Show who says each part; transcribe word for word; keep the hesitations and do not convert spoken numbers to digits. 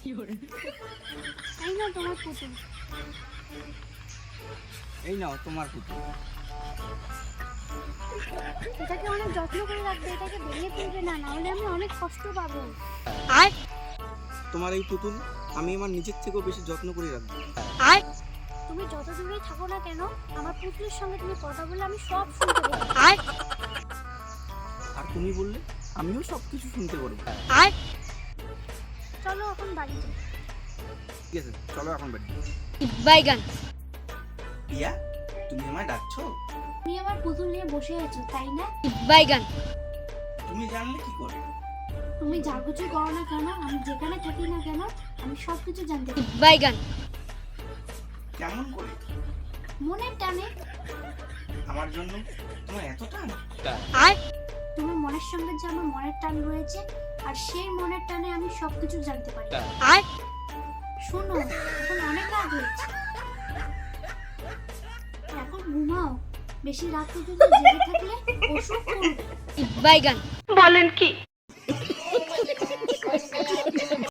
Speaker 1: এই নাও তোমার পুতুল।
Speaker 2: এই নাও তোমার পুতুল।
Speaker 1: এটাকে অনেক যত্ন করে রাখবে, এটাকে ভেঙে ফেলবে না, নাহলে আমি অনেক কষ্ট পাবো।
Speaker 3: আর
Speaker 2: তোমার এই পুতুল আমি আমার নিজের থেকেও বেশি যত্ন করে রাখবো।
Speaker 3: আর
Speaker 1: তুমি যত দূরেই থাকো না কেন, আমার পুতুলের সঙ্গে তুমি কথা বললে আমি সব শুনতে পাবো।
Speaker 3: আর
Speaker 2: আর তুমি বললে আমিও সব কিছু শুনতে পারবো।
Speaker 3: আর
Speaker 1: চলো এখন বাড়িতে।
Speaker 2: ঠিক আছে, চলো এখন বাড়ি।
Speaker 3: বাইগান
Speaker 2: রিয়া, তুমি আমায় ডাকছো?
Speaker 1: তুমি আমার পুতুল নিয়ে বসে আছো তাই না?
Speaker 3: বাইগান
Speaker 2: তুমি জানলে কি করে?
Speaker 1: তুমি যা কিছু করো না কেন, আমি যেখানে থাকি না কেন, আমি সব কিছু জানতে পারি।
Speaker 3: বাইগান
Speaker 2: কেমন করে?
Speaker 1: মনের টানে।
Speaker 2: আমার জন্য তোমার এত টান?
Speaker 3: আর
Speaker 1: তোমার মনের সঙ্গে যে আমার মনের টান রয়েছে, আর সেই মনের টানে আমি সব কিছু জানতে পারি।
Speaker 3: আর
Speaker 1: শোনো, এখন অনেক রাত হয়েছে, এখন ঘুমাও। বেশি রাত পর্যন্ত জেগে থাকলে অসুখ করবে।
Speaker 3: বাইগান
Speaker 4: বলেন কি?